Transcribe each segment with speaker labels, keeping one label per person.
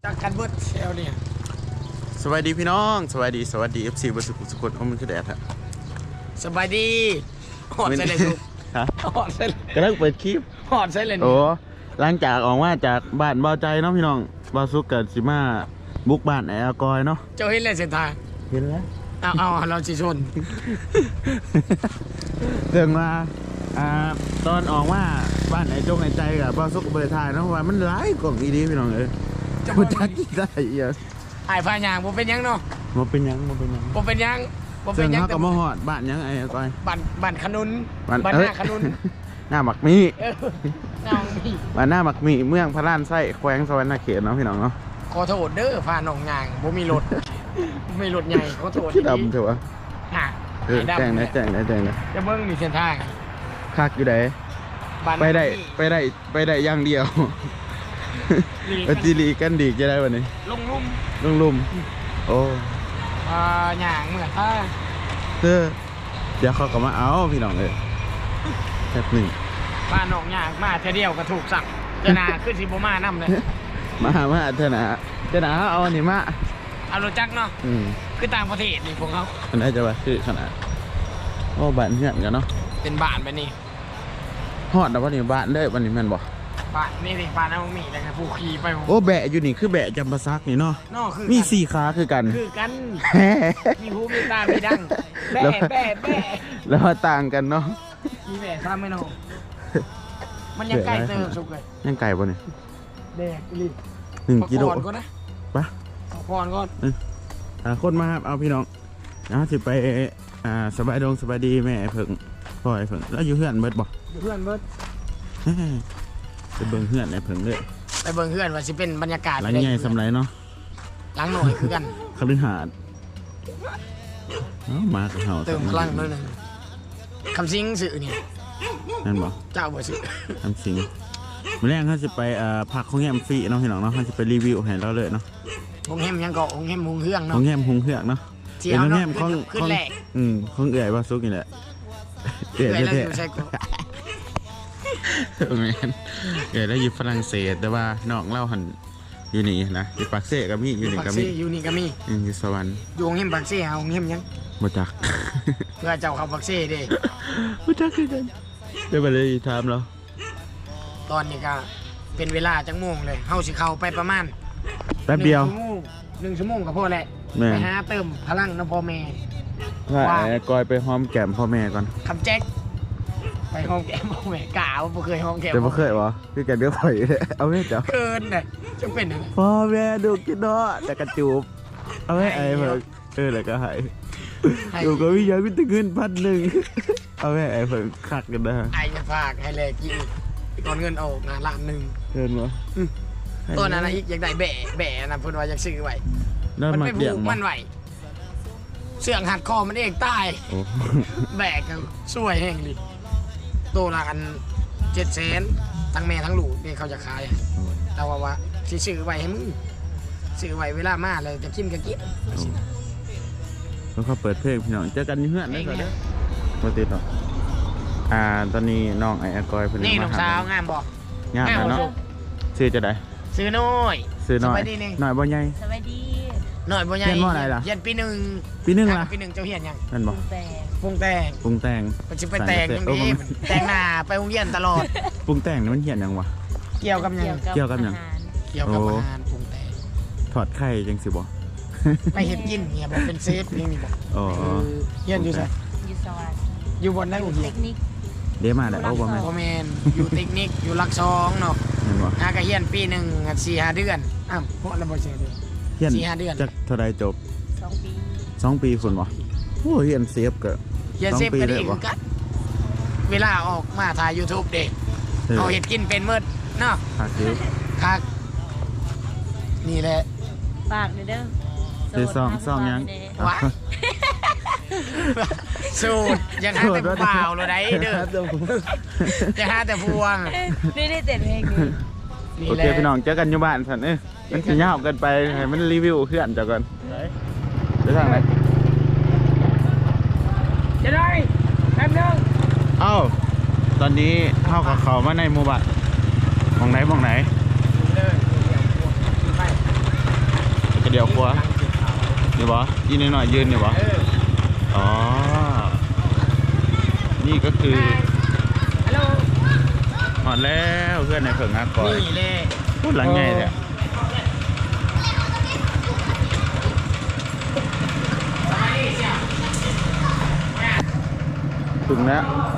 Speaker 1: จากกันเบิร์ดเซลเนี่ย
Speaker 2: สวัสดีพี่น้องสวัสดีFC บสุขุสุขโอ้มันคือแดดฮะ
Speaker 1: สบายดีหอดใส่เลยลูก
Speaker 2: ฮะ
Speaker 1: หอดใส่เลย
Speaker 2: กำลังเปิดคลิป
Speaker 1: หอดใส่เลย
Speaker 2: โอ้หลังจากออกมาจากบ้านเบาใจเนาะพี่น้องบาสุกเกิดสิมาบุกบ้านไอ้อากอยเนาะ
Speaker 1: เจ้าเห็นเลยเส้นทาง
Speaker 2: เห็นแล้ว
Speaker 1: เอาเราจีชน
Speaker 2: เรื่องมาตอนออกมาบ้านไอ้จงไอ้ใจกับบาสุกเปิดทายเนาะว่ามันร้ายกล่องอีดีพี่น้องเอ้ยจะพูดจักกี่ได้เยอะ
Speaker 1: ไอ้พายางผมเป็นยังเนาะ
Speaker 2: มันเป็นยัง
Speaker 1: ผมเป็นยัง
Speaker 2: เรื่องเขากับมหอดบ้านยังไอ้อากอย
Speaker 1: บ้านขนุนบ้านหน้าขนุน
Speaker 2: หน้าหมักมี
Speaker 1: หน้ามี
Speaker 2: บ้านหน้าหมักมีเมืองพระล้านไส้แขวงสวรรณเขตเนาะพี่น้องเนาะ
Speaker 1: ขอโทษเด้อพาหนองยางผมมีรถไม่รถใหญ่ขอโทษ
Speaker 2: ที่ดำเถอะวะแจ้งนะ
Speaker 1: จะเบิ้งมีเส้นทาง
Speaker 2: คักอยู่ไหนไปได้อย่างเดียวปฏิรีกันดีจะได้วันนี้
Speaker 1: ลง
Speaker 2: ลุ่มโอ้
Speaker 1: หยางเหมือน
Speaker 2: เดี๋ยวเขาก็มาเอาพี่น้องเลยแค่หนึ่ง
Speaker 1: บ้านหนองหยางมาเท่าเดียวก็ถูกสั่งเจนาขึ้นสิบมาน้ำเลย
Speaker 2: มาเถอะนะเอาอันนี้มา
Speaker 1: เอารถจักรเนาะคือต่างประเทศนี่พวกเขา
Speaker 2: อันนี้จะว่าคือขนาดโอ้บ้านเพื่อนกันเนาะ
Speaker 1: เป็นบ้านไปนี่
Speaker 2: ฮอดแต่ว่านี่บ้านเลยวันนี้แม่นบอก
Speaker 1: บ้านนี่สิบ้านน้ำมีอะไรนะผู้ขี่ไป
Speaker 2: โอ้แบะอยู่นี่คือแบะจำปาซักนี่เนาะมีสี่ขาคือกัน
Speaker 1: มีหูมีตามีดังแบะ
Speaker 2: แล้วต่างกันเนาะ
Speaker 1: มีแบะซ้ำไม่เนาะมันยังไก่เติมสุกเลย
Speaker 2: ยังไก่ป่ะเนี่ย
Speaker 1: แดกลิ
Speaker 2: 1 กิโล
Speaker 1: ก็นะ
Speaker 2: ปะ
Speaker 1: พรก่อน
Speaker 2: คนมาครับเอาพี่น้องสิไปสบายดีแม่เพิ่งพ่อไอ้เพิ่งแล้วอยู่เพื่อนเบิดบอก
Speaker 1: อยู่เพื่อนเบิด
Speaker 2: ไปเบิ่งเพื่อนไอ้เพิ่งเลย
Speaker 1: ไปเบิ่งเพื่อนว่าสิเป็นบรรยากาศ
Speaker 2: หลังใหญ่สำไรเนาะ
Speaker 1: หลังหน่อยคือกัน
Speaker 2: คฤหาสน์มากับเฮา
Speaker 1: เติมพลังด้วยนึงคำซิงสื่อเนี่ย
Speaker 2: นั่นบอก
Speaker 1: เจ้าบ่สื่อ
Speaker 2: คำซิงมื่อแรกเขาจะไปพักห้องแฮมฟรีเนาะพี่น้องเนาะเขาจะไปรีวิวให้เราเลยเนาะ
Speaker 1: ห้องแฮมยังก็ห้องแฮมหุงเฮืองเนาะ
Speaker 2: ห้องแฮมหุงเฮืองเนาะ
Speaker 1: เป็นห้องแฮมของ
Speaker 2: ของเอื่อยว่าซุกนี่แหละ
Speaker 1: เอื่อยแล้วอยู่ใช่ก็
Speaker 2: แมนเอื่อยแล้วอยู่ฝรั่งเศสแต่ว่าน้องเล่าหันอยู่นี่นะอยู่ปากเซ่กับมี่อยู่นี่กับมี่อยู่สวรรค์
Speaker 1: อยู่ห้องแฮมปากเซ่ห้องแฮมยัง
Speaker 2: มาจัก
Speaker 1: เพื่อเจ้าเขาปากเซ่ดิ
Speaker 2: มาจักคือกันได้ไปเลยถามเรา
Speaker 1: ตอนนี้ก็เป็นเวลาจังโมงเลยเฮาสิเข้าไปประมาณ
Speaker 2: แป๊บเดียว
Speaker 1: 1 ชั่วโมงก็พอแหละไปหาเติมพลังน้ำพ่อแม่
Speaker 2: ว่ากอยไปหอมแก้มพ่อแม่ก่อน
Speaker 1: คำแจ็คไปหอมแก้มพ่อแม่กล่าวบ่เคยหอมแก้ม
Speaker 2: แต่บ่เคยวะคือแกเดือดข่อยเอาไม่จับ
Speaker 1: เกินเลยจะเป็นอะไร
Speaker 2: พ่อแม่ดูกินเนาะแต่กระจูบเอาไม่ไอ้เพิ่งแล้วก็หายดูก็วิญญาณวิตาเงิน1,000เอาไม่ไอ้เพิ่งคักกันนะ
Speaker 1: ไอ้จะฝากให้เลยกินตอนเงินออกนะ1,000,000
Speaker 2: เงินวะ
Speaker 1: ตัวนั้นอีกอยากได้แบะนะเพื่อนว่าอยากซื้อไว้มันไม่ผูกมันไหวเสื่องหัดคอมันเองตายแบกกันสวยแห้งดิตัวละกัน700,000ทั้งแม่ทั้งลูกนี่เขาจะขายแต่ว่าซื้อไว้ให้มึงซื้อไว้เวลามาเลยจะกินก็กิน
Speaker 2: แล้วเขาเปิดเพลงพี่น้องเจอกันเพื่อนได้ก่อนเด้อมาติดต่อตอนนี้น้องไอ้กอยเพิ่น
Speaker 1: นี่น้องสาวงามบอก
Speaker 2: งามเนาะซื้อจะได้
Speaker 1: ซื้อน้อย
Speaker 2: หน่อยบ่ใหญ่
Speaker 3: สวัสดี
Speaker 1: หน่อยบ่ใหญ่
Speaker 2: เรียนว่าอะไรล่ะ
Speaker 1: เรียนปี 1ล่ะปี 1เจ้าเฮียนยัง
Speaker 2: นั่นบอก
Speaker 1: ปรุงแต่งมันสิไปแต่งยังดีแต่งหน้าไปโรงเรียนตลอด
Speaker 2: ปรุงแต่งนี่มันเฮียนยังวะ
Speaker 1: เกี่ยวกับยัง
Speaker 2: เกี่ยวกับยัง
Speaker 1: เกี่ยวกับอาหารปรุงแต่ง
Speaker 2: ถอดไข่จังสิบ่
Speaker 1: ไปเฮ็ดกินเฮียบอกเป็นเซฟนี่บอกเฮียนอยู่ไส
Speaker 3: อยู่สวรรค์
Speaker 1: อยู่บนได้บ่เฮียน
Speaker 2: เดี๋ยวมาได้โอ้บ่แม่
Speaker 1: นอยู่เทคนิคอยู่หลัก2เนาะก็เฮียนปี 1 4-5 เดือนเพราะแล้วบ่เสียเดือน4-5 เดือน
Speaker 2: จักเท่าใดจบ2 ปีฝุ่นบ่โอ้เฮียนเซฟก็
Speaker 1: เฮียนเซฟก็ดีคือกันเวลาออกมาถ่าย YouTube เด้เอาเฮ็ดกินเป็นหมดเนาะคักนี่แหละ
Speaker 3: ฝากเด้อ
Speaker 2: ซ่องยัง
Speaker 1: วะสูตรยังหาแต่ผู้บ่าวเลยได้เด้อจะหาแต่พวง
Speaker 3: นี่ได้เต้นเพลง
Speaker 2: โอเคพี่น้องเจอกันอยู่บ้านสันมันจะยาวกันไปให้มันรีวิวเพื่อนจากกันไปทางไหน
Speaker 1: จะได้แป๊บนึง
Speaker 2: ตอนนี้เข้ากับเขามาในหมู่บ้านมองไหนยวขวานี่บ่ยืนหน่อยยืนนี่บ่อ๋อนี่ก็คือ
Speaker 1: ฮัลโหล
Speaker 2: หอดแล้วเพื่อนในเผิงฮักก่อน
Speaker 1: นี่เลย
Speaker 2: พูดหลังไงเนี่ยถึงแล้ว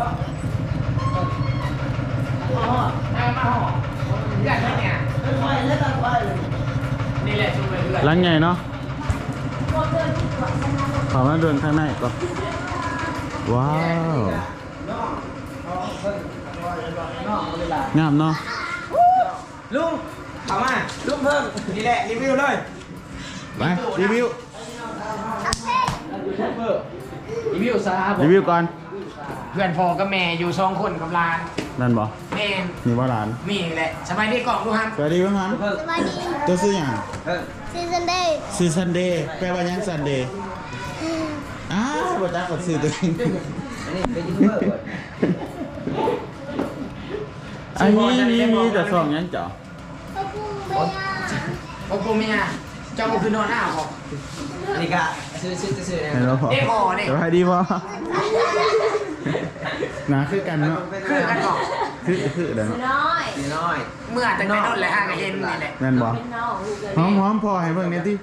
Speaker 1: นี่แหละช่วยเพื่อน
Speaker 2: หลังไงเนาะขอมาเดินข้างในก่อนว้าวงามเนาะ
Speaker 1: ลุงเข้ามาลุงเพิ่มนี่แหละรีวิวเลย
Speaker 2: ไปรีวิว
Speaker 1: รีวิวซะครับ
Speaker 2: รีวิวก่อน
Speaker 1: เพื่อนพ่อกับแม่อยู่2คนกับหลาน
Speaker 2: นั่นบ่
Speaker 1: แม่
Speaker 2: นี่ว่าหลาน
Speaker 1: มีแหละสบายดีกล่องดูครับ
Speaker 2: สวัสดีพ่อฮัน
Speaker 4: สวัสดี
Speaker 2: ตัวซื้ออย่าง
Speaker 4: ซีซันเดย์
Speaker 2: ซื้อซันเดย์แปลว่าหยังซันเดย์อ้าวบ่จักกับซื้อตัวเองอันนี้มีแต่ซองหยังเจ้า
Speaker 4: พ่อครูเมีย
Speaker 1: โอ้กูเมียเจ้าคือนอนอ้าวบอก
Speaker 5: นี่ก็ซื้อนะ
Speaker 2: เห็นแล้วพอ
Speaker 1: เด็กห่อเนี่ย
Speaker 2: สบายดีพ่อหนาคือกันเนาะ
Speaker 1: คือกันบอก
Speaker 2: คือเดี๋ยวเนาะ
Speaker 3: น้อย
Speaker 5: น้อย
Speaker 1: เมื่อแต่ในนอนเลยห้างกับเย็นนี่แหละ
Speaker 2: แม่นบ่
Speaker 3: เป็นน้องลูกเลย
Speaker 2: หอมพอให้เบิ่งหนี่อยติ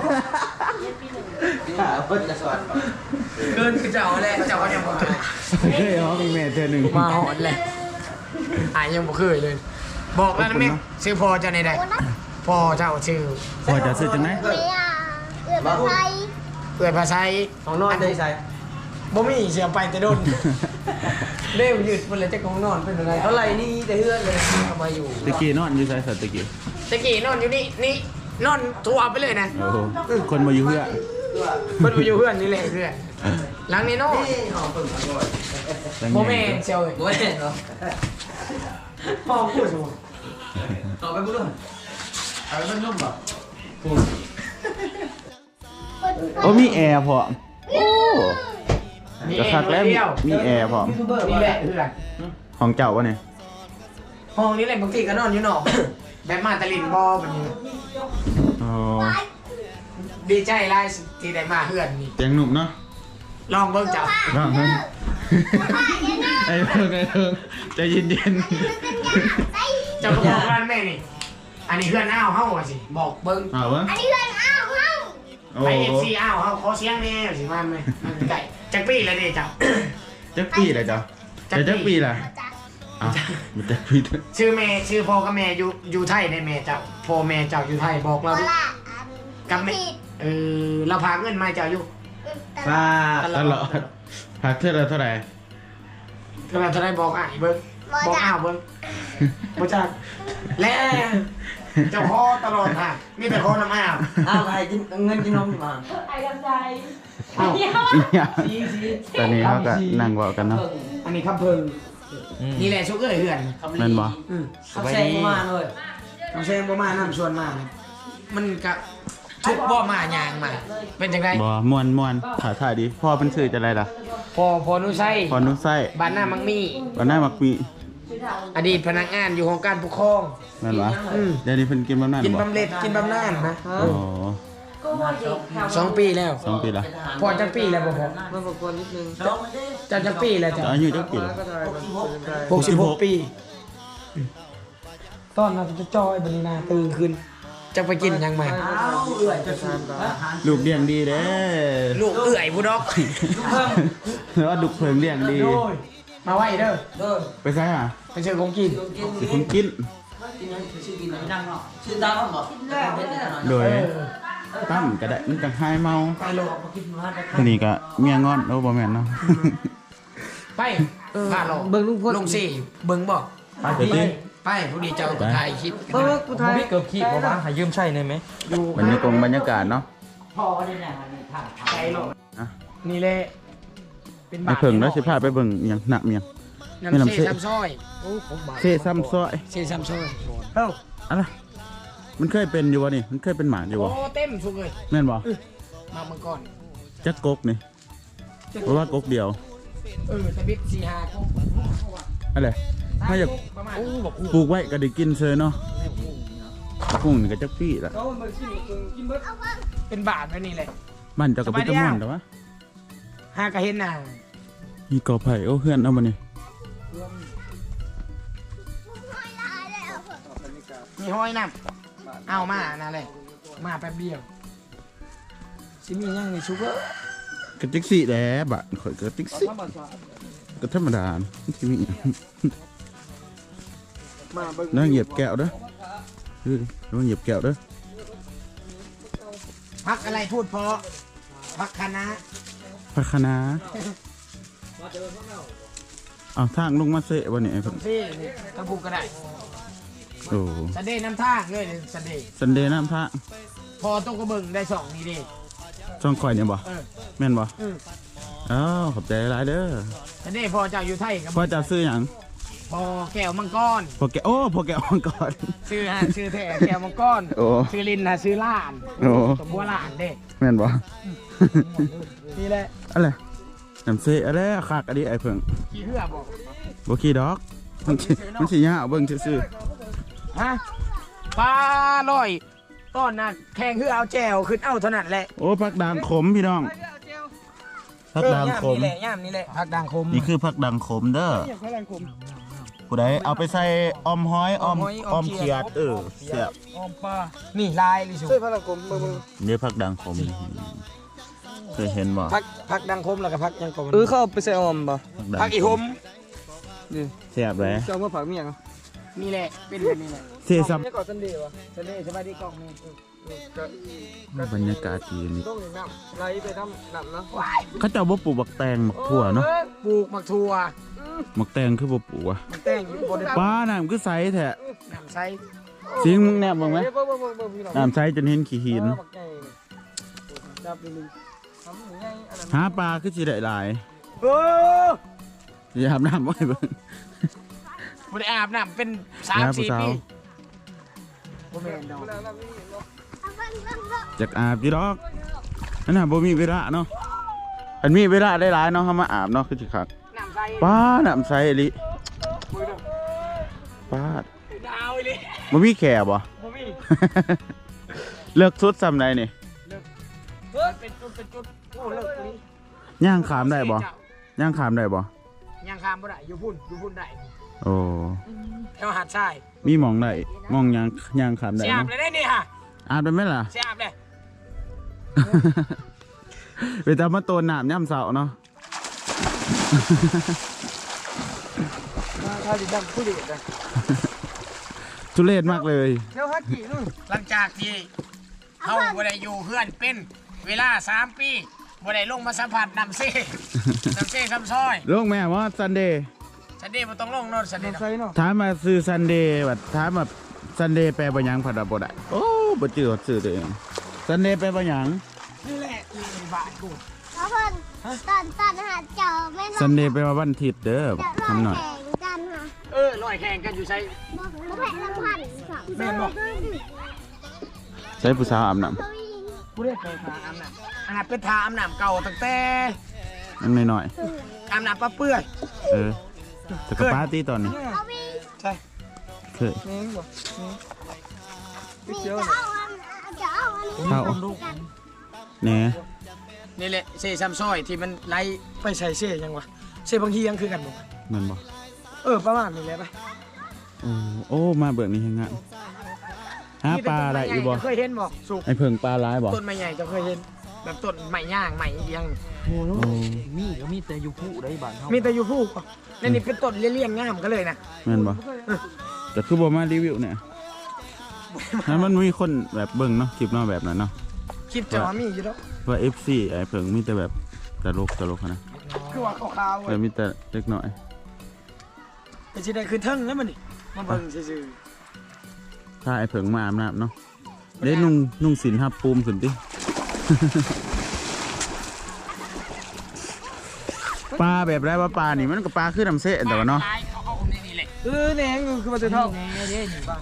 Speaker 5: เพิ่นจะสอน
Speaker 1: เกินคือเจ้าแหละเจ้าก็ยังบอก
Speaker 2: เคยหอมอีแม่เธอหนึ่ง
Speaker 1: มาหอนเลยยังบอกเคยเลย บอกแล้วนะแม่ชื่อพ่อเจ้าในใดพ่อเจ้าชื่อ
Speaker 2: พอจะซื้อจังไหน
Speaker 4: เมียเอือไทย
Speaker 1: เอื้อยภาษา
Speaker 5: ของนอนได้ใส่
Speaker 1: บ่มีเสียไปแต่โดนเร็วยืดมันเลยจะกองนอนเป็นอะไร
Speaker 5: เท่าไหร่นี่แต่เฮือนเลยเอามาอยู่
Speaker 2: ตะกี้นอนอยู่ไสสัตตะกี้
Speaker 1: ตะกี้นอนอยู่นี่นอนทัวไปเลยนะ
Speaker 2: โอ้โหคนมาอยู่เพื่อ
Speaker 1: เพิ่นไปอยู่เพื่อนนี่แหละเพื่อนหลังนี้นอน
Speaker 5: นี่หอมเพิ่งอร่อย
Speaker 2: ตั้ง
Speaker 1: โม
Speaker 2: ให
Speaker 1: เม
Speaker 2: ญ่
Speaker 1: นเซียว
Speaker 5: โอ้ยเนาะ
Speaker 1: พ่อพูดสูง
Speaker 5: ต่อไปบุ้งเอาไปนุ่มป่ะ
Speaker 2: โอ้มีแอร์พอโอ้กระคักแล้วมีแอร์พอ
Speaker 1: นี่แหละเพื่อน
Speaker 2: ของเจ้าวะเนี่ย
Speaker 1: ห้องนี้แหละบางทีก็นอนอยู่นอก แบบมาตะลินบอแบบนี้
Speaker 2: อ๋อ
Speaker 1: ดีใจไล่ที่ได้มาเพื่อนนี่
Speaker 2: เตียงหนุ่มเนาะ
Speaker 1: ลองเบิ่งเจ้า
Speaker 2: บ้างเพิ่งไอ้เพิ่งใจเย็น
Speaker 1: เจ้าก็บอกว่าแม่นี่ อันนี้เพื่อนอ้าวเฮาอะสิบอกเบิ่ง
Speaker 2: ๆเอาวะ
Speaker 4: อันนี้เพื่อนอ้าวเฮ้า
Speaker 2: โอ้
Speaker 1: ไป
Speaker 2: โห
Speaker 1: FC อ้าวเฮาขอเสียงแน่สิมาไหมมันไก่จักปี้แล้วดิเจ้า
Speaker 2: จักปีเลยจ้ะจักปีล่ะ
Speaker 4: จ้ะ
Speaker 2: อ้าวมันจักปี
Speaker 1: ชื่อพ่อกับแม่อยู่ไทยในแม่เจ้าพ่อแม่เจ้าอยู่ไทยบอก
Speaker 4: โค
Speaker 1: เราดิ
Speaker 4: ราช
Speaker 1: กับแม่เราพาเงินมาเจ้าอยู่
Speaker 5: ป้า
Speaker 2: ตลอดพักเท่าไรเท่าไหร่
Speaker 1: เราจะได้บอกอ่ะเบิ้งบอกอ้าวเบิ้งบ่จักและเจ้าพ่อตลอดค่ะมีแต่พ่อน้ำอ้าว
Speaker 5: เอาใครกินเงินกินนมมา
Speaker 3: ไอ้กำใจ
Speaker 1: อ้าว
Speaker 2: อีหยังตอนนี้เขาก็นั่งเวากันเนาะ
Speaker 1: อันนี้ครับเพิ่งนี่แหละชุกเอ้ยเพื่อน
Speaker 2: แม่นบ่
Speaker 5: ขับแซงมาเลย
Speaker 1: น้องแซงบ่มาน้ำชวนมาเนี่ยมันก็ทุกบ่มายางมา เป็นจังได
Speaker 2: บ่ม่วนถ่ายดีพ่อเป็นชื่อจะอะไรล่ะ
Speaker 1: พอนุไส้
Speaker 2: พอนุไส้
Speaker 1: บ้านหน้ามังมี
Speaker 2: วันหน้ามักมี
Speaker 1: อดีตพนักงานอยู่ของการปกครอง
Speaker 2: แม่นบ่เดี๋ยวนี้เพิ่นกินบำนาญ
Speaker 1: กิน
Speaker 2: บ่
Speaker 1: บำเหน็จกินบำนาญนะ
Speaker 2: อ๋อ
Speaker 3: ก็ว่าเด็กแถว
Speaker 1: 2 ปีแล้ว
Speaker 2: 2 ปีละ
Speaker 1: พอจักปีแล้วบ่พอ
Speaker 5: มาบอกคนนิดนึง
Speaker 1: เจ้าจักปีแล้วจ้ะ
Speaker 2: อายุจักปีละ
Speaker 1: 66 ปีตอนเราจะจอยบรินาตื่นขึ้น จะไปกินยังไง
Speaker 2: ลูกเลี้ยงดีเด้
Speaker 1: ลูกเอื่อยผู้ดอก
Speaker 2: แล้วว่าลูกเพิงเลี้ยงดี
Speaker 1: มาไว้เด้อ
Speaker 5: เดิน
Speaker 2: ไปไสอ่ะ
Speaker 1: ไปเชิญของกิน
Speaker 5: กิน
Speaker 2: สิคุณกิน
Speaker 5: กินยังชื่อกินดังเนาะชื่อดังเหรอเป็นแน่นอน
Speaker 2: โดยตั้มก็ได้มันจังหายเมา
Speaker 1: ไปโลก
Speaker 5: กินมาได้
Speaker 2: ทีนี้ก็เมียงอนโอ้บ่แม่นเนาะ
Speaker 1: ไปบ้านเรา
Speaker 5: เบิ่งลุงพล
Speaker 1: ลงสี่เบิ่งบอก
Speaker 2: เดี๋ยวติ
Speaker 1: ไปผู้ดีเจ้าก็ถ่ายคลิป
Speaker 5: เออกูทาย
Speaker 6: เกือบขี้บอกว่าหายืมใช่ได้ไหม
Speaker 1: อยู่
Speaker 2: บรรยากาศเนาะ
Speaker 1: ใจโลก
Speaker 2: อ่ะ
Speaker 1: นี่แหละเป็น
Speaker 2: ไอ้เพิ่งแล้วสิพาไปเบิ่งอิหยังหนักเมียง ไม่
Speaker 1: น้ำ
Speaker 2: น้ำ
Speaker 1: เซ่
Speaker 2: เซ่
Speaker 1: ซ้ำซอยโอ้ผมบา
Speaker 2: เซ่ซ้ำซอย
Speaker 1: เซ่ซ้ำซอย
Speaker 2: อะไรมันเคยเป็นอยู่วะนี่มันเคยเป็นหมาอยู่
Speaker 1: โอ้
Speaker 2: วะ
Speaker 1: เต็มสุกเลย
Speaker 2: แม่นบ่
Speaker 1: มาเมื่อก่อน
Speaker 2: จักกกนี่เพราะว่ากกเดียว
Speaker 1: ตะบิด4-5ก็
Speaker 2: อะไรถ้าอยาก
Speaker 1: ประมาณ
Speaker 2: ปลูกไว้ก็ได้กินเซยเนาะกุ้งนี่ก็จักปี้ละ
Speaker 1: เป็นบาทไว้นี่เลย
Speaker 2: บ้านเจ้าก็เป็นตะม่วนแต่ว่า
Speaker 1: หากระเห็นน่ะ
Speaker 2: มีกอไผ่โอ้เพื่อนเอามานี่
Speaker 1: มีห้อยน้ำเอามานั่นเลยมาแป๊บเดียวสิมียังมีชุกเกอร์
Speaker 2: กระติกซี่แหละบะข่อยกระติกซี่ก็ธรรมดาที่มี
Speaker 1: มาเบิ่ง
Speaker 2: นั่งเหยียบแก้วเด้อนั่งเหยียบแก้วเด้อ
Speaker 1: พักอะไรพูดเพราะพักคณะ
Speaker 2: พักคณะเอาทางลงมาเสะวันนี้ไอ้เพิ่น
Speaker 1: ที่นี่กระพูก็ได้
Speaker 2: โอ้
Speaker 1: สเดย์น้ำท่าเลยสเดย์
Speaker 2: ซันเดย์น้ำพระ
Speaker 1: พอต้องกระเบิ่งได้สองนี่ดิ
Speaker 2: ช่องคอยเนี่ยบ่
Speaker 1: เออ
Speaker 2: แม่นบ่
Speaker 1: อืม
Speaker 2: อ้าวขอบใจหลายเด้อ
Speaker 1: สเดย์พอเจ้าอยู่ไทยกับ
Speaker 2: พ่อจะซื้อหยัง
Speaker 1: พอแก้วมังกร
Speaker 2: พอแกพอแกอ่อนก่อน
Speaker 1: ชื่อชื่อแท้แก้วมังกร
Speaker 2: โอ้
Speaker 1: ชื่อลินนะชื่อล้าน
Speaker 2: โอ้
Speaker 1: สมบัวล้านเด้
Speaker 2: แม่นบ่
Speaker 1: นี่แหละ
Speaker 2: อะไรน้ำเสะอะไรคักอันนี้ไอ้เพิ่ง
Speaker 1: กี่เหือบอก
Speaker 2: บ่ขี้ดอกมันสิยาวเบิ่งซื่อ
Speaker 1: ฮะปลาลอยต้อนน่ะแข่งเหือเอาแจวขึ้นเอาเท่านั้นแหละ
Speaker 2: ๆโอ้ผักด่างขมพี่น้องผักด่างขม
Speaker 1: ย่ามนี่แหละผักด่างขม
Speaker 2: นี่คือผักด่างขมเด้อ
Speaker 1: ผักด่างขม
Speaker 2: ผู้ใดเอาไปใส่ออมหอยออม
Speaker 1: ออม
Speaker 2: เขียดเสียบ
Speaker 1: ออมปลานี่ลายลิสุ
Speaker 5: ช่วยพลังกลมมือ
Speaker 2: นี่ผักด่างขมเคยเห็นบ่
Speaker 1: ผักด่างขมแล้วก็ผักยังกม
Speaker 5: เข้าไปใส่ออมป่ะ
Speaker 2: ด่าง
Speaker 1: ผักอีหม
Speaker 2: เสียบเลย
Speaker 5: จะเอามาผักเมียง
Speaker 1: นี่แหละเป็นแบบนี้แหละ
Speaker 2: เสียซับ
Speaker 5: นี่ก่อนสันเดย์วะ
Speaker 1: สเดย์สบายดีกล้องนี่
Speaker 2: บรรยากาศดีนี่
Speaker 5: ต้องอย่างน้ำไหลไปทำน้ำนะ
Speaker 1: ว้าย
Speaker 2: เขาเจ้าบ่ปลูกบักแตงบักถั่วเนาะ
Speaker 1: ปลูกมักทัว
Speaker 2: บักแตงคือบ่ปลูกอ่ะ
Speaker 1: มันแต่งอยู่บน
Speaker 2: ป้าน้ำคือใสแท้
Speaker 1: น้ำใส
Speaker 2: สิงมึงแนบบ้างไหม
Speaker 5: เบิ่งพี่น้อง
Speaker 2: น้ำใสจนเห็นขี้หิน
Speaker 5: บักใหญ่จับดึงทำหมูใหญ่อันนั้น
Speaker 2: หาปลาคือสิได้หลาย
Speaker 1: โอ้
Speaker 2: อย่าอาบน้ำไว้เบิ่ง
Speaker 1: บ่ได้อาบน้ำเป็น
Speaker 2: แล้วผู้
Speaker 1: 3-4
Speaker 2: สาว
Speaker 1: ปีบ่แม่นดอก
Speaker 2: จากอาบจีดอกนั่นน่ะบ่มีเวลาเนาะอันมีเวลาได้หลายเนาะเฮามาอาบเนาะคือสิคัก
Speaker 1: น้ำใส
Speaker 2: ป้าน้ำใสอีหลิป้าด
Speaker 1: ดาวอีหลี
Speaker 2: บ่มีแขบ่
Speaker 1: บ่มี
Speaker 2: เลิกสุดซำใดนี่
Speaker 1: เป็นจุดโอ้เลิกอีหลี
Speaker 2: ย่างขามได้บ่ย่างขามได้บ่
Speaker 1: ยังข้ามบ่ได้อยู่พุ่นได้
Speaker 2: โอ้
Speaker 1: แถวหาดทราย
Speaker 2: มีหม่องได้หม่องย่างขามได้
Speaker 1: สิอาบ
Speaker 2: เนาะ
Speaker 1: เลยได้นี่ค่ะ
Speaker 2: อาบได้ไหมล่ะ
Speaker 1: สิอาบเลย
Speaker 2: ไปตามมาโตนน้ำย่ำเสาเนาะ
Speaker 1: ถ้าสิดำผู้เด็กนะ
Speaker 2: ทุเรศมากเลย
Speaker 1: เดี๋ยวฮักกี่นู่นหลังจากที่เฮาบ่ได้อยู่เฮือนเป็นเวลา3 ปีบ่ได้ลงมาสัมผัสน้ำเซ่ น้ำเซ่ซ้ำซอย
Speaker 2: ลงแม่ว่าซันเดย์
Speaker 1: สันเดย์บ่ต้องลงโนอนสันเดย์
Speaker 5: ใส่เนาะ
Speaker 2: ถามมาซื้อซันเดย์แบบถามแบบซันเดย์แปลว่าหยังผัดบ่ได้โอ้บ่จืดซื้อตัวเองซันเดย์แปลว่าหยัง
Speaker 1: นี่แหละอีบาทกู
Speaker 4: เพราะเพิ่นตอนหาเจ้าแม่น
Speaker 2: ซันเดย์แปลว่าวันอาทิตย์เด้อ
Speaker 4: จะรอ
Speaker 2: ทำหน่อย
Speaker 4: แข่งกันค่ะ
Speaker 1: ลอยแข่งกันอยู่ใช่
Speaker 4: บ่แพ้ลำพันธ์ค่ะ
Speaker 1: แม่นบ่
Speaker 2: ใช้ผู้สาวอาบน้
Speaker 1: กูได้ไปทาอาบน้ำอันนั้นเป็นทาอาบน้ำเก่าตั้งแต่
Speaker 2: ำนั่งหน่อย
Speaker 1: อาบน้ำปลาเปื่อย
Speaker 2: แต่กับปาร์ตี้ตอนนี้
Speaker 4: เอาวิ่ง
Speaker 1: ใช่
Speaker 2: เคย
Speaker 5: นี่บ่
Speaker 4: นี่จะเอาอันนี้
Speaker 2: เข้าแหน่
Speaker 1: นี่แหละเซ่ซ้ำซอยที่มันไล่ไปใส่เซ่ยังวะเซ่บางทียังคือกันบ่
Speaker 2: แมันบ่
Speaker 1: ประมาณนี้แหละไป
Speaker 2: โอ้มาเบิกนี่ยังงะหาปลาอะไรอีกบ่
Speaker 1: เคยเห็นบ่สุก
Speaker 2: ไอ้เพิ่งปลาร้ายบ่
Speaker 1: ต้นไม้ใหญ่จะเคยเห็นแบบต้นไม้ย่างไม้เอียง
Speaker 2: โอ้
Speaker 6: มีก็มีแต่อยู่ผู้ได้บ้านเฮา
Speaker 1: มีแต่อยู่ผู้บ่แล้วนี่เป็นต้นเลี้ยงๆงามกันเลยนะ
Speaker 2: แม่นบ่แต่คือบ่มารีวิวเนี่ยนั้นมันมีคนแบบเบิ่งเนาะคลิปเนาะแบบนั้นเนาะ
Speaker 1: คิดจะว่ามีอยู่แล้ว
Speaker 2: ว่า FC ไอ้เพิ่งมีแต่แบบตลกนะ
Speaker 1: คือว่าขาวๆ
Speaker 2: แต่มีแต่เล็กน้อย
Speaker 1: แต่สิได้คือเทิงแล้วมันนี่มาเบิ่งซื่อ
Speaker 2: ถ้าไอ้เผิงมาอาบน้ำเนาะเด้นุ่งสินทับปูมขึ้นติ ปลาแบบไรว่าปลานี่มันก็ปลาคือน้ำเสะ
Speaker 1: ๆ
Speaker 2: แต่ว่าเนาะ
Speaker 1: ปลเขาเอานี่แหละ
Speaker 5: แหนงคือมาจะเท่า
Speaker 1: นี่เด้นี่บ้าน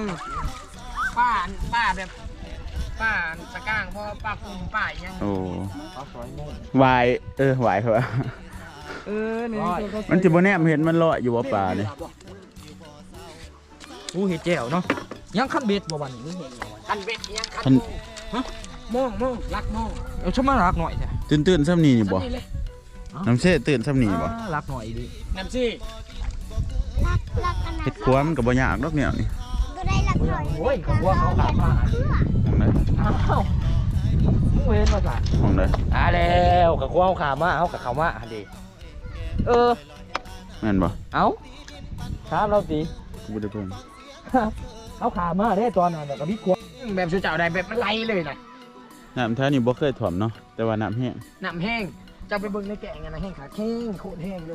Speaker 1: ป้าแบบป้าตะก้างเพราะป้าปุ้มป้าอีหยัง
Speaker 2: โอ้วายวายเหรอ
Speaker 5: นี่
Speaker 2: มันจะบ่แนมเห็นมันลอยอยู่ว่าปลาเนี่ย
Speaker 6: ผู้เฮ็ดแจ่วเนาะยังคันเบ็ดบ่วันนี้มึงเห็นบ่วัน
Speaker 1: คันเบ็ดยังคัน
Speaker 2: คัน
Speaker 1: มองรักมอง
Speaker 6: เอาชะมารักหน่อยแท้
Speaker 2: ตื่นซ้ำนี่นี่บ่
Speaker 1: นี่เลย
Speaker 2: น้ำเช่ตื่นซ้ำนี่บ่
Speaker 6: รักหน่อยดิ
Speaker 1: น้ำซี่
Speaker 4: รักอันนั้น
Speaker 2: เฮ็ดครัวมันก็บ่ยากดอกแนวนี่
Speaker 4: ก็ได้รักหน่อย
Speaker 6: โอ้ยกับว่าเขาขาดมาดิ
Speaker 2: มองได้
Speaker 6: อ้าวมึงเว้นมาจ้ะ
Speaker 2: มองได้
Speaker 6: แล้วกับว่าเขาขามาเอากับเขามาดิ
Speaker 2: แม่นบ่
Speaker 6: เอาถามเราสิ
Speaker 2: กูบ่ได้เพิ่น
Speaker 6: เอาขามาได้ตอนนั้นกับพี่กวาง
Speaker 1: แบบชูเจ้าได้แบบมันไหลเลยนะ
Speaker 2: น้ำแท้นี่บ่เคยถ่วมเนาะแต่ว่าน้ำแห้ง
Speaker 1: น้ำแห้งจะไปเบิ่งในแกงกันนะแห้งขาแห้งโคตรแห้งเลย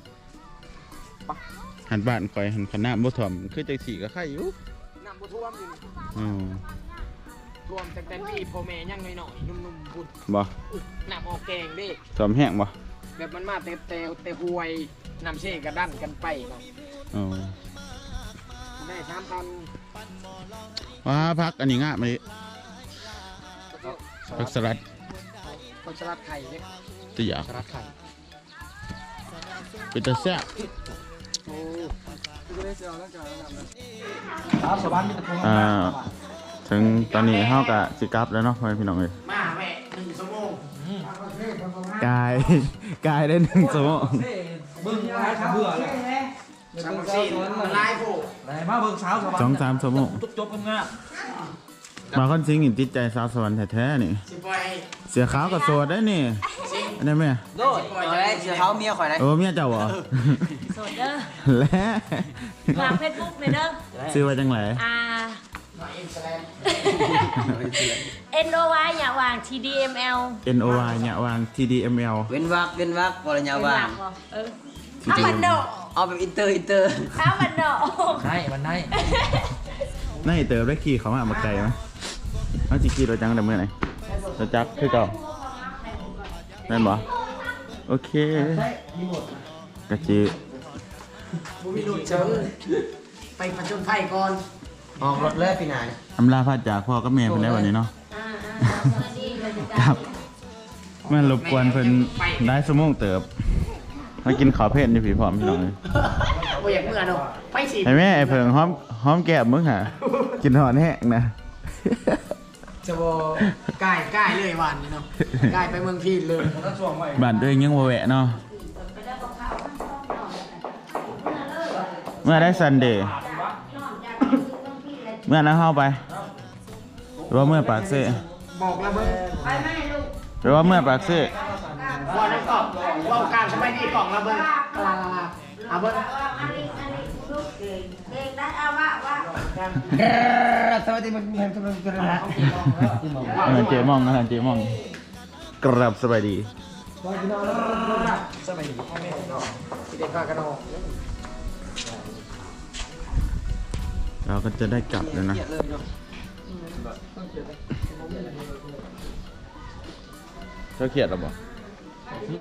Speaker 2: หันบ้านข่อยหันขนาดบ่ถ่วมคือจังซี่ก็ไข่อยู่
Speaker 1: น้ำบ่ท่วมอยู่
Speaker 2: อือ
Speaker 1: ท่วมแต่พี่พ่อแม่ยังหน่อยๆนุ่มๆพุ่น
Speaker 2: บ่
Speaker 1: น้ำออกแกงดิ
Speaker 2: ถ่วมแห้งบ่
Speaker 1: แบบมันมาเตะหวยน้ำเช่กระดันกันไปเนาะ
Speaker 2: อ๋อ
Speaker 1: ได้3,000
Speaker 2: ว้าพักอันนี้งะมาดิผักสลัด
Speaker 1: ผักสลัดไข่เนี่ย
Speaker 2: ตัวอยาก
Speaker 1: สลัดไข่
Speaker 2: เป็นตาแซ่บ
Speaker 1: โอ้ก็ได้เสียวแล้วจ้ะน้ำนะ
Speaker 6: ครับชาวบ้านมีตะโกน
Speaker 2: ถึงตอนนี้เฮาก็สิกลับแล้วเนาะพ่อแม่พี่น้องเอ้ย
Speaker 1: มาแม่1 ชั่วโมง
Speaker 2: กายได้1ชั่วโมง
Speaker 6: เบิ่งร้ายขาเบื่อเลย
Speaker 1: สามสี่มันลายโผล่
Speaker 6: ไหนมาเบิ่งสาวชาวบ้าน
Speaker 2: 2-3ชั่วโมง
Speaker 6: จบงาม
Speaker 2: มาคอนซิงอินติดใจสาวสวรรค์แท้ๆนี่
Speaker 1: สิปล่อย
Speaker 2: เสียขาวกับโสดได้นี่
Speaker 1: สิ
Speaker 2: อันนี้แม่
Speaker 5: โดดเอาได้เสือเขาเมียข่อยได้
Speaker 2: โอ้เมียเจ้าบ่
Speaker 3: โสดเด้อ
Speaker 2: และ
Speaker 3: ฝากเฟซบุ๊กเลยเด้อ
Speaker 2: ซื้อไว้จังไหน
Speaker 1: มาอินสแลน
Speaker 3: NOY อย่าวาง TDML
Speaker 2: NOY เนี่ยวาง TDML
Speaker 5: เว้นวักวรญาว่าง
Speaker 3: เออเอามันโด
Speaker 5: เอาแบบอินเตอร์
Speaker 3: เอามันโด
Speaker 6: ๆได้มันได้
Speaker 2: น่าจะเติมได้ขี่เขามาไกลไหมเอาจิขี่รถจังแต่เมื่อไหร่รถจักรคือเก่าแม่นบ่โอเคกะจิ
Speaker 1: บุมีหลุดเชิงไปประจนไฟก่อน
Speaker 5: ออกรถเลยพี่นาย
Speaker 2: อำลาพาจากพ่อกับแม่เพิ่นได้วันนี้เนาะครับแม่นรบกวนเพิ่นได้ชั่วโมงเติบมากินข้าวเผ็ดนี่พี่พร้อมพี่น้องเลย
Speaker 1: โอ้ยอยากเมื่อเนาะไปสิ
Speaker 2: ไอ้แม่ไอ้เพิ่งหอมแก้มมึงหะกินหอนแห้งนะ
Speaker 1: จะบอกใกล้เลยวันนี้เนาะใกล้ไปเมืองพีนเลย
Speaker 2: บ้านตัวเองยังบ่แวะเนาะเมื่อได้ซันเดย์เมื่อนั้นเข้าไปหรือว่าเมื่อปากเซ่
Speaker 1: บอกแล้วเบิ้ง
Speaker 2: หรือว่าเมื่อปากเซ่
Speaker 1: ว่านั่นก็ว่ากลางสมัยนี้กล่องละเบิ้งเอาเบิ้ง
Speaker 5: สวัสดีมันมีทำไมเป็นอะไร
Speaker 2: เจมองนะเจมองกรับสบายดี
Speaker 1: สมัยนี้พ่อแม่เนาะที่เด็กพากันออก
Speaker 2: เราก็จะได้กลับแล้วนะเขาเขียดหรอบ่